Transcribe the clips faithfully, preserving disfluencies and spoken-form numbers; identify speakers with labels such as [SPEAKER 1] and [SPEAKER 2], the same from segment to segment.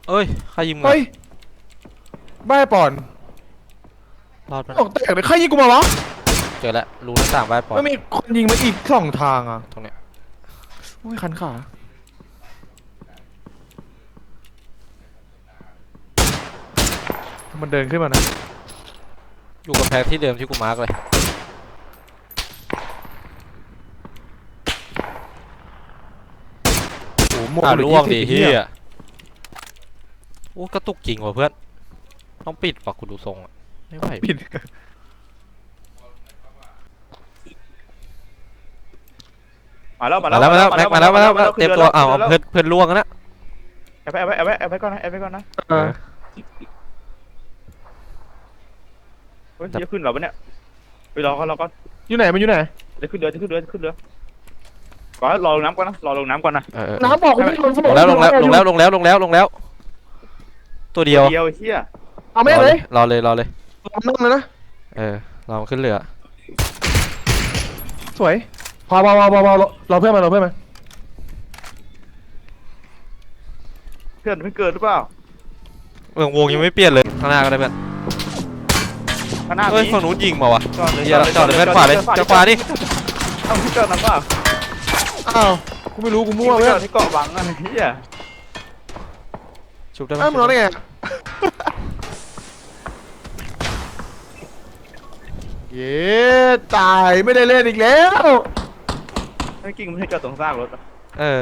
[SPEAKER 1] เอ้ยใครยิงมึง
[SPEAKER 2] เฮ้ยบ้าปอน
[SPEAKER 1] รอดมัน
[SPEAKER 2] ตกแตกเลยใครยิงกูมาวะ
[SPEAKER 1] เจอแล้วรูหน้าต่างใบปอน
[SPEAKER 2] ไม่มีคนยิงมาอีกสองทางอ่ะ
[SPEAKER 1] ตรงเนี้ย
[SPEAKER 2] โอ้ยคันขามันเดินขึ้นมานะ
[SPEAKER 1] อยู่กับแพงที่เดิมที่กูมาร์กเลย
[SPEAKER 2] โอ้โหหมด
[SPEAKER 1] อ่า
[SPEAKER 2] เลย
[SPEAKER 1] ล่วงดิ
[SPEAKER 2] ยี่สิบ
[SPEAKER 1] เฮี
[SPEAKER 2] เหี้
[SPEAKER 1] ยโอ้กระตุกจริงว่ะเพื่อนต้องปิดปะกูดูทรงอะไม่ไหว
[SPEAKER 2] ปิด
[SPEAKER 3] มาแล้วมา
[SPEAKER 1] มา
[SPEAKER 3] แล้ว
[SPEAKER 1] แล้วมาแล้วแม็กมาแล้วมาแล้วเตรียมตัวอ้าวเพื่อนเพื่อนล่วงนะ
[SPEAKER 3] แอบไปแอบไปแอบไปแอบไปก่อนนะแอบไปก่อนนะ
[SPEAKER 2] เออ
[SPEAKER 3] เฮ้ยจะขึ้นเหรอวะเนี่ยไปรอก่อนรอก่อน
[SPEAKER 2] อยู่ไหนมันอยู่ไหน
[SPEAKER 3] จะขึ้นเรือจะขึ้นเรือจะขึ้นเรือก่อนรอลงน้ำก่อนนะรอลงน้ำก่อนนะ
[SPEAKER 2] น้ำบอกกูไม่ลง
[SPEAKER 1] ลงแล้วลงแล้วลงแล้วลงแล้วลงแล้วลงแล้วตัวเดียว
[SPEAKER 3] เดียวเฮีย
[SPEAKER 2] เอาไม่เลย
[SPEAKER 1] รอเลยรอเลย
[SPEAKER 2] ลงนั่งเลยนะ
[SPEAKER 1] เออรอมันขึ้นเรือ
[SPEAKER 2] สวยพอพอพอพอพอรอเพื่อนมารอเพื่อนมา
[SPEAKER 3] เพื่อนไม่เกิดหรือเปล่า
[SPEAKER 1] เมืองวงยังไม่เปลี่ยนเลยข้างหน้าก็ได้เพื่อน
[SPEAKER 3] ข้างหน้า
[SPEAKER 1] เฮ้ย
[SPEAKER 3] มี
[SPEAKER 1] ฝั่งนู้นยิงมาวะ
[SPEAKER 3] จอดเลย
[SPEAKER 1] เฮียจอดเลยเพื่อนขวาเลยจะขวาดิ
[SPEAKER 3] เอาที่จอดนะเปล่า
[SPEAKER 2] อ้าวกูไม่รู้กูมั่ว
[SPEAKER 3] จ
[SPEAKER 2] เพื่อ
[SPEAKER 3] อน ดที่เกาะวังอ่ะเฮีย
[SPEAKER 1] ชุบได้ไหม
[SPEAKER 2] อ้าวมึงรอได้ไงเย้ตายไม่ได้เล่นอีกแล้ว
[SPEAKER 3] ไอ้กิ่งมันให้จอดตรงซากรถ
[SPEAKER 1] เออ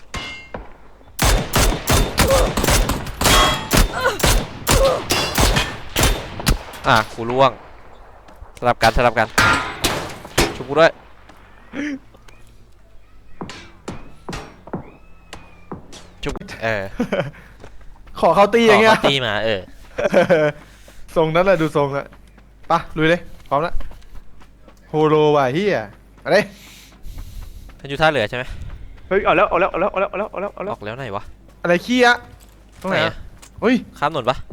[SPEAKER 1] อ่ะกูล่วงสลับกันสลับกันชุบกูด้วยชุบเออ
[SPEAKER 2] ขอเขาตีอย่างเงี้ย
[SPEAKER 1] ขตีมาเออ
[SPEAKER 2] ทรงนั้นแหละดูทรงอะปะลุยเลยพร้อมแล้วโฮโลว่ะเฮียอะไร
[SPEAKER 1] ท่านอยู่ท่าเรือใช่ไหม
[SPEAKER 3] เฮ้ยเอาแล้วเอาแล้วเอาแล้วเอาแล้วเอาแล้วเอาแล้วเอา
[SPEAKER 1] อ
[SPEAKER 3] แล้ว
[SPEAKER 1] อกแล้วไหนวะ
[SPEAKER 2] อะไรขี้อะตรงไหนอะเฮ้ย
[SPEAKER 1] ข้ามถนนปะ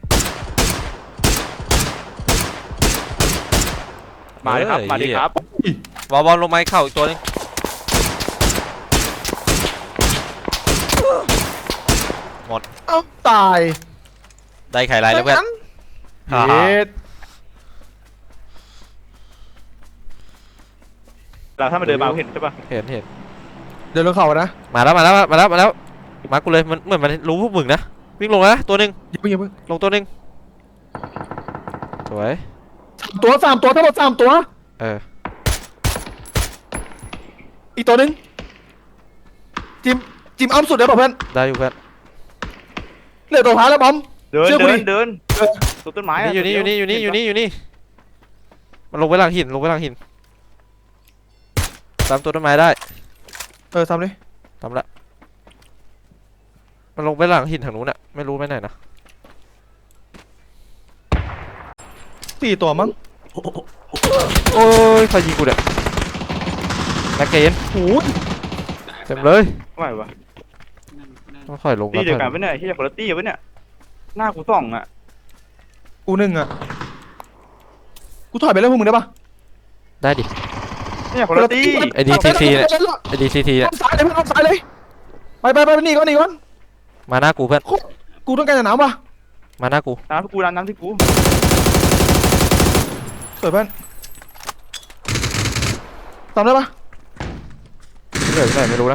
[SPEAKER 3] มาดิครับมาดิครับ
[SPEAKER 1] บอลบอลลงไม้เข่าอีกตัวนึงหมด
[SPEAKER 2] เอ้าตาย
[SPEAKER 1] ได้ไข่ลายแล้วเพื่อน
[SPEAKER 2] เฮ็ด
[SPEAKER 3] เราถ้ามันเดินมาเห็นใช่ป่ะ
[SPEAKER 1] เห็นเห็น
[SPEAKER 2] เดินลงเขานะ
[SPEAKER 1] มาแล้วมาแล้วมาแล้วมาแล้วมากูเลยมันเหมือนมันรู้พวกมึงนะวิ่งลงแล้วนะตัวหนึ่ง
[SPEAKER 2] อย่าเพิ่งอย่าเพิ่ง
[SPEAKER 1] ลงตัวหนึ่งสวย
[SPEAKER 2] สามตัวสามตัวทั้งหมดสามตัว
[SPEAKER 1] เออ
[SPEAKER 2] อีกตัวหนึ่งจิมจิมอ้อมสุดเลยเปล่าเพื่อน
[SPEAKER 1] ได้อยู่เพื่อน
[SPEAKER 2] เหลือตัวท้ายแล้วบอม
[SPEAKER 3] เดิน
[SPEAKER 2] เชื่อกู
[SPEAKER 3] เดิ
[SPEAKER 2] ดิ
[SPEAKER 3] นเดินตัวต้นไม้
[SPEAKER 1] อยู่นี่อยู่นี่อยู่นี่อยู่นี่อยู่นี่มันลงไปหลังหินลงไปหลังหินตามตัวต้นไม้ได้
[SPEAKER 2] เออทำเลย
[SPEAKER 1] ทำละมันลงไปหลังหินทางนู้นอะไม่รู้ไปไหนนะ
[SPEAKER 2] สี่ตัวมั้ง
[SPEAKER 1] โอ้ยใครยิงกูเนี่ยแม็กเกน
[SPEAKER 2] โอ้ย
[SPEAKER 1] เต็มเลย
[SPEAKER 3] ไม่วะ
[SPEAKER 1] ต้องค่อยลง
[SPEAKER 3] ตีเดียวกัน
[SPEAKER 1] ถ
[SPEAKER 3] ปะเนี่ยที่จะคนละตีปะเนี่ยหน้ากูส่องอ่ะ
[SPEAKER 2] กูหนึ่งอะกูถอยไปแล้วพวกมึงได้ปะ
[SPEAKER 1] ได้ดิ
[SPEAKER 3] เนี่ยคนละตี
[SPEAKER 1] ไอ้ ดี ซี ซี เนี่ย ไอดีซีที
[SPEAKER 2] อ้
[SPEAKER 1] เนี่ย
[SPEAKER 2] อมซ้ายเลยเพื่อนอ้อมซ้ายเลยไปไปไปไปนี่ก่อนนี่ก่อน
[SPEAKER 1] มาหน้ากูเพื่อน
[SPEAKER 2] กูต้องการจะหนาวปะ
[SPEAKER 1] มาหน้ากู
[SPEAKER 3] น้ำที่กูน้ำน้ำที่กู
[SPEAKER 2] สวยเพื่อนทำได้ปะ
[SPEAKER 1] เหลือที่ไหนไม่รู้นะ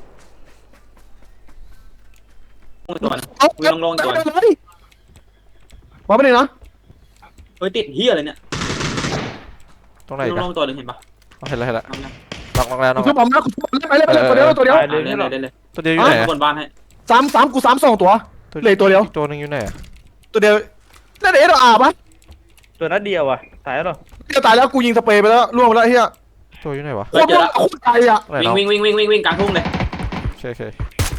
[SPEAKER 4] ตัว
[SPEAKER 2] เอา
[SPEAKER 4] กูลงลงก่อน
[SPEAKER 2] ได้เลยมาไปเลยนะ
[SPEAKER 4] เฮ้ยติดเฮียอะไรเนี่ย
[SPEAKER 1] ตรงไหน
[SPEAKER 4] ลง
[SPEAKER 1] กัน
[SPEAKER 4] ลงตัวหนึ่งเห็นปะ
[SPEAKER 1] เห็นแล้วเห็นแล้ว
[SPEAKER 4] เอานะ
[SPEAKER 1] ล็อกล็อกแล้ว
[SPEAKER 2] กู
[SPEAKER 1] ล็อก
[SPEAKER 2] คื
[SPEAKER 1] แล้
[SPEAKER 2] อ
[SPEAKER 1] ว
[SPEAKER 2] บอมนะกูคือไปเลยไปเลยตัวเดียวตัวเดียวตัวเดียว
[SPEAKER 4] ได้เลยได้เลย
[SPEAKER 1] ตัวเดียวอยู่ไหนอะ
[SPEAKER 4] บนบ้านให้
[SPEAKER 2] สามสามกูสามสองตัว เหลือตัวเดียว
[SPEAKER 1] อีกตัวหนึงอยู่ไหนอะ
[SPEAKER 2] ตัวเดียวนั่นเอ๋เราอาบปะ
[SPEAKER 3] ตัวนัดเดียวอ่ะตายแล้วหรอ
[SPEAKER 2] จะตายแล้วกูยิงสเปรย์ไปแล้วล่วงไปแล้วเฮีย
[SPEAKER 1] ตัวอยู่ไหนวะ
[SPEAKER 2] โคตรโคตรไกลอ่ะ
[SPEAKER 1] ไหนเนาะ
[SPEAKER 4] วิ่งวิ่งวิ่งวิ่งวิ่งกลางทุ่งเลย
[SPEAKER 1] โอเคโอเค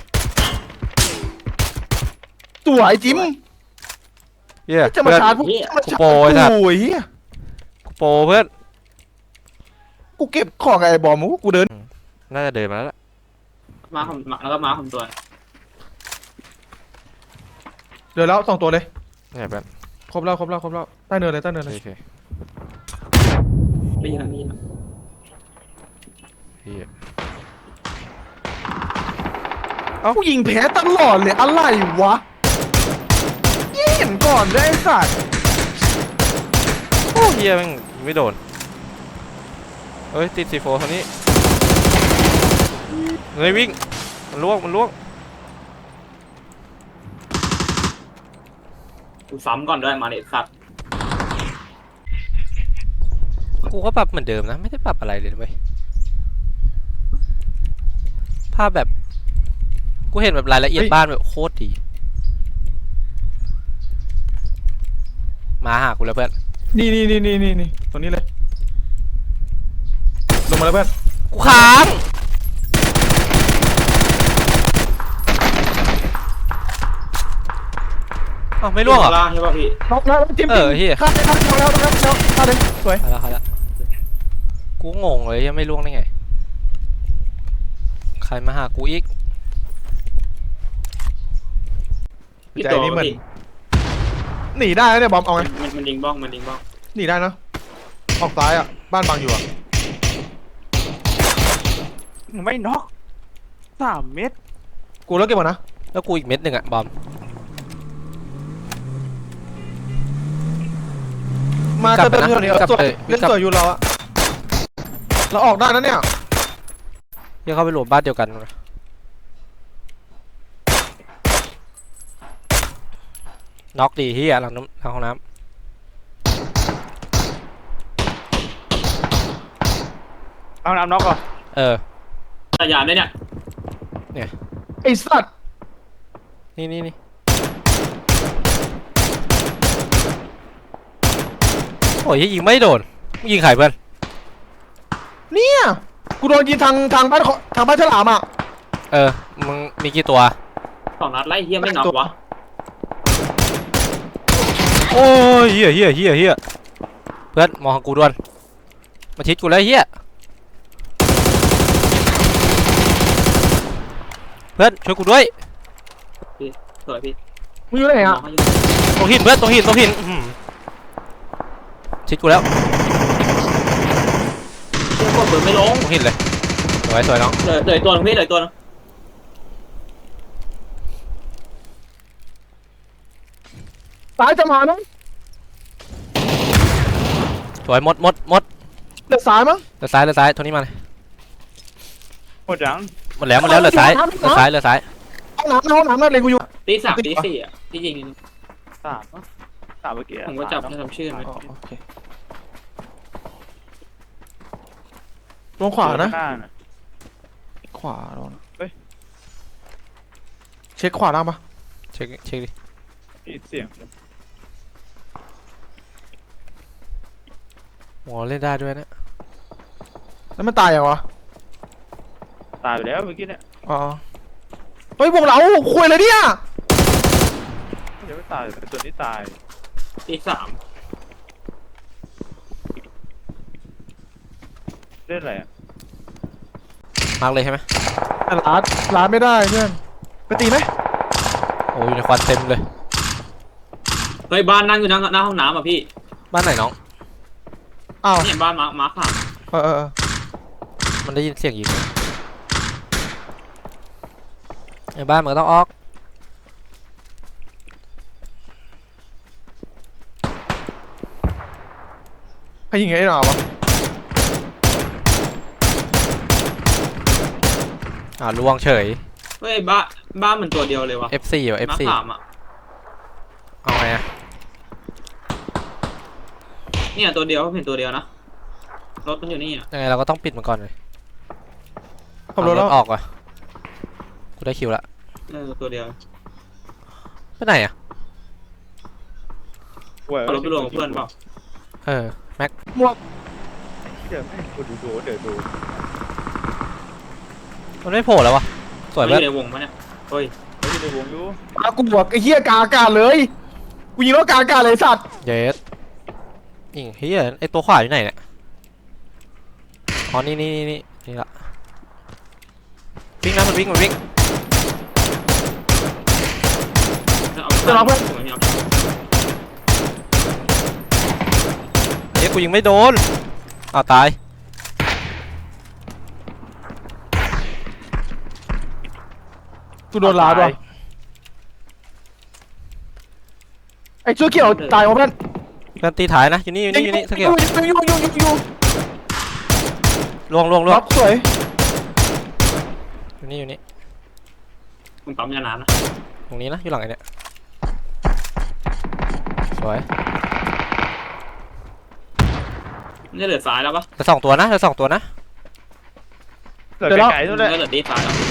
[SPEAKER 2] สวยจิม
[SPEAKER 1] เฮีย
[SPEAKER 2] จะมา
[SPEAKER 1] เพื่อน
[SPEAKER 2] ชาร์จพวกจะมาชาร์จ
[SPEAKER 1] กูโปรไอ้สัตว์
[SPEAKER 2] โอ้ยเฮีย
[SPEAKER 1] โปรเพื่อน
[SPEAKER 2] กูเก็บของไอ้บอมกูเดิน
[SPEAKER 1] น่าจะเดินมาแล้วล่ะ
[SPEAKER 4] มาผมแล้วก็มาผมตัว
[SPEAKER 2] เดินแล้วสองตัวเลย
[SPEAKER 1] เนี่ยเพื่อน
[SPEAKER 2] ครบแล้วครบแล้วครบแล้วใต้เนินเลยใต้เนิน
[SPEAKER 1] โอ
[SPEAKER 2] เลย
[SPEAKER 1] เค
[SPEAKER 4] ได้ยินได้ยิน
[SPEAKER 1] เฮีย
[SPEAKER 2] กูยิงแพ้ตลอดเลยอะไรวะเห็นก่อนด้วยไอ้สัตว์
[SPEAKER 1] โอ้เฮียแม่งไม่โดนเฮ้ยติดซีโฟทางนี้เฮ้ยวิ่งมันล่วงมันล่วง
[SPEAKER 4] กูซ้ำก่อนด้วยมาเด็ดสัตว์
[SPEAKER 1] กูก็ปรับเหมือนเดิมนะไม่ได้ปรับอะไรเลยเว้ยภาพแบบกูเห็นแบบรายละเอียดบ้านแบบโคตรดีมาหากูแล้วเพื่อน
[SPEAKER 2] นี่นี่นี่นี่นี่นี่ตรงนี้เลยลงมาแล้วเพื่อน
[SPEAKER 1] กูค้างอ้าวไม่ล่วงเหรอ
[SPEAKER 4] ล่างใช่ป่ะพี่
[SPEAKER 2] น็อกแล้วจิ้ม
[SPEAKER 1] เออเหี้ย
[SPEAKER 2] ข้ามไปข้ามไปแล้วแล้วแล้วข้ามเลยสวย
[SPEAKER 1] เอาละเอาละกูงงเลยยังไม่ล่วงได้ไงใครมาหากูอีก
[SPEAKER 4] พี่
[SPEAKER 2] ใจ
[SPEAKER 4] ตัว
[SPEAKER 2] นี่เหมือน
[SPEAKER 4] พี่
[SPEAKER 2] หนีได้แล้วเนี่ยบอมเอาไง
[SPEAKER 4] มันมันดิงบ้องมันดิงบ้อง
[SPEAKER 2] หนีได้นะออกซ้ายอ่ะบ้านบังอยู่อ่ะ
[SPEAKER 3] ไม่น็อกสามเม็ด
[SPEAKER 2] กูแล้วเก็บหมดนะ
[SPEAKER 1] แล้วกูอีกเม็ดหนึ่งอะบอม
[SPEAKER 2] มา
[SPEAKER 1] กลับ
[SPEAKER 2] เติม
[SPEAKER 1] ไปนะ
[SPEAKER 2] เติมเดี๋ยว
[SPEAKER 1] กลับ
[SPEAKER 2] สวย
[SPEAKER 1] ไป
[SPEAKER 2] เล่น
[SPEAKER 1] กลับ
[SPEAKER 2] สวยอยู่เราอ่ะเราออกได้นะเนี่ย
[SPEAKER 1] เดี๋ยวเข้าไปรวมบ้านเดียวกันนะน็อกดีเฮียหลังน้ำหลังห้องน้
[SPEAKER 3] เอาน้ำน็อกก่อน
[SPEAKER 1] ำเออ
[SPEAKER 4] แต่ยานได้เนี่ย
[SPEAKER 2] ไอ้สัตว์
[SPEAKER 1] นี่นี่นี่โอ้ยยิงไม่โดนมึงยิงใครเพื่อน
[SPEAKER 2] เนี่ยกูโดนยิงทางทางบ้านเขาทางบ้านฉลามอ่ะ
[SPEAKER 1] เออมึงมีกี่ตัว
[SPEAKER 4] สองนัดไล่เฮียไม่น็อกวะ
[SPEAKER 1] โอ้ยเฮียเฮียเฮียเฮียเพื่อนมองกูด่วนมาชิดกูแล้วเฮียเพื่อนช่วยกูด้วย
[SPEAKER 4] สวยพี่
[SPEAKER 2] มึงอยู่ไหนอ่ะ
[SPEAKER 4] น้องเขาอยู่
[SPEAKER 1] ตรงหินเพื่อนตรงหินตรงหินอื้อหือชิดกูแล้ว
[SPEAKER 4] เฮียกดเบิร์ไม่ลง
[SPEAKER 1] ตรงหินเลยสวยสวยน้อง
[SPEAKER 4] เหลือเหลือตัวนึงพี่เหลือตัวนึง
[SPEAKER 2] ซ้ายจะมานะ
[SPEAKER 1] สวยหมดหมดหมด
[SPEAKER 2] เดือดซ้ายมั้ง
[SPEAKER 1] เหลือซ้ายเหลือซ้ายโทนี่มาเลย
[SPEAKER 3] หมดยัง
[SPEAKER 1] หมดแล้วหมดแล้วเหลือซ้ายเหลือซ้ายเหลือซ้าย
[SPEAKER 2] ห้องน้ำห้องน้ำนั่นเลยกูอยู่
[SPEAKER 4] ตีสามตีสี่อ่ะที่ยิง
[SPEAKER 3] สามปะสามเมื่อกี้
[SPEAKER 4] ผมก็จับไม่ทำชื่อมัน
[SPEAKER 2] อ๋อโอเคลงขวานะ
[SPEAKER 3] หน้าน่ะ
[SPEAKER 2] ขวาลง
[SPEAKER 3] เฮ้ย
[SPEAKER 2] เช็คขวาล่างปะ
[SPEAKER 1] เช็คเช็คดิ
[SPEAKER 3] มีเสียง
[SPEAKER 1] โอ้เล่นได้ด้วยนะ
[SPEAKER 2] แล้วมันตายยังวะ
[SPEAKER 3] ตายไปแล้วเมื่อกี้เนี่ย
[SPEAKER 2] อ๋อเฮ้ยวงเราคุยเลยเนี่ย
[SPEAKER 3] เดี๋ยวไม่ตายแต่ตัวนี้ตาย
[SPEAKER 4] ตีสาม
[SPEAKER 3] เล่นอะไรอ่ะ
[SPEAKER 1] มาร์กเลยใช่ไหม
[SPEAKER 2] แต่ร้านร้านไม่ได้เพื่อนไปตีไหม
[SPEAKER 1] โอ้ยอยู่ในควันเต็มเลย
[SPEAKER 4] เฮ้ยบ้านนั่งอยู่หน้าหน้าห้องน้ำอ่ะพี่
[SPEAKER 1] บ้านไหนน้อง
[SPEAKER 2] อ้าว
[SPEAKER 4] นี่บ้านมามาร์คสาม
[SPEAKER 2] เออเออเออ
[SPEAKER 1] มันได้ยินเสียงยิงในบ้านมันก็ต้องออก
[SPEAKER 2] ใครยิงไอ้หนาวะ
[SPEAKER 1] อ่าล่วงเฉย
[SPEAKER 4] เฮ้ยบ้านบ้านมันตัวเดียวเลยวะ
[SPEAKER 1] เอฟ ซี ว่ะ เอฟ
[SPEAKER 4] มาร์ค
[SPEAKER 1] ซี
[SPEAKER 4] สามอ่ะ
[SPEAKER 1] เอาไงอะ
[SPEAKER 4] เนี่ยตัวเดียวเห็นตัวเดียวนะรถมันอยู่นี่อ่ะ
[SPEAKER 1] ยังไงเราก็ต้องปิดมันก่อนเลย
[SPEAKER 2] ขับรถแล้ว
[SPEAKER 1] เอาออกว่ะกูได้คิวละ
[SPEAKER 4] เออตัวเดียว
[SPEAKER 1] ไปไหนอะ
[SPEAKER 3] เว้ย
[SPEAKER 4] เอารถไปรวมกับเพื่อนเปล่า
[SPEAKER 1] เออ แม็ก
[SPEAKER 2] หมวก
[SPEAKER 3] เดี๋ยวให้กูดูดูเดี๋ยวดู
[SPEAKER 1] มันไม่โผล่แล้ววะสวย
[SPEAKER 4] มันอ
[SPEAKER 1] เพื่อน
[SPEAKER 4] ยู่ในวงปะเนี่ยเฮ้ย
[SPEAKER 3] เขาอยู่ในวงอยู่
[SPEAKER 2] อากูบวกไอ้เหี้ยกาอากาศเลยกูยิงแล้วกาอากาศเลยสัตว์
[SPEAKER 1] เยสยิงเฮียไอตัวขวาอยู่ไหนเนี่ยอ๋อนี่นี่นี่นี่นี่ละวิ่งนะมันวิ่งมันวิ่ง
[SPEAKER 4] เอาเพื่อนเอาเพื่อนเอา
[SPEAKER 1] เฮ้ยกูยิงไม่โดนอ้าวตาย
[SPEAKER 2] กูโดนลาดว่ะเสื้อเขียวตายของเพื่อน
[SPEAKER 1] เพื่อนตีถ่ายนะอยู่นี่อยู่นี่อยู่นี่สักเกี่ยว
[SPEAKER 2] อยู่อยู่อยู่อยู่อยู่
[SPEAKER 1] ลวงลวงลว
[SPEAKER 2] ล็
[SPEAKER 1] ง
[SPEAKER 2] อกสวย
[SPEAKER 1] อยู่นี่อยู่นี่
[SPEAKER 4] คุณปั๊มยาน้ำนะ
[SPEAKER 1] ตรงนี้นะอยู่หลังไอ้เนี่ยสวย
[SPEAKER 4] นี่เหลือซ้ายแล้วปะ
[SPEAKER 1] เหลือสองตัวนะเหลือสองตัวนะ
[SPEAKER 3] เหลือไกลๆนู่นแหละ
[SPEAKER 4] เหลือตีซ้ายแล้ว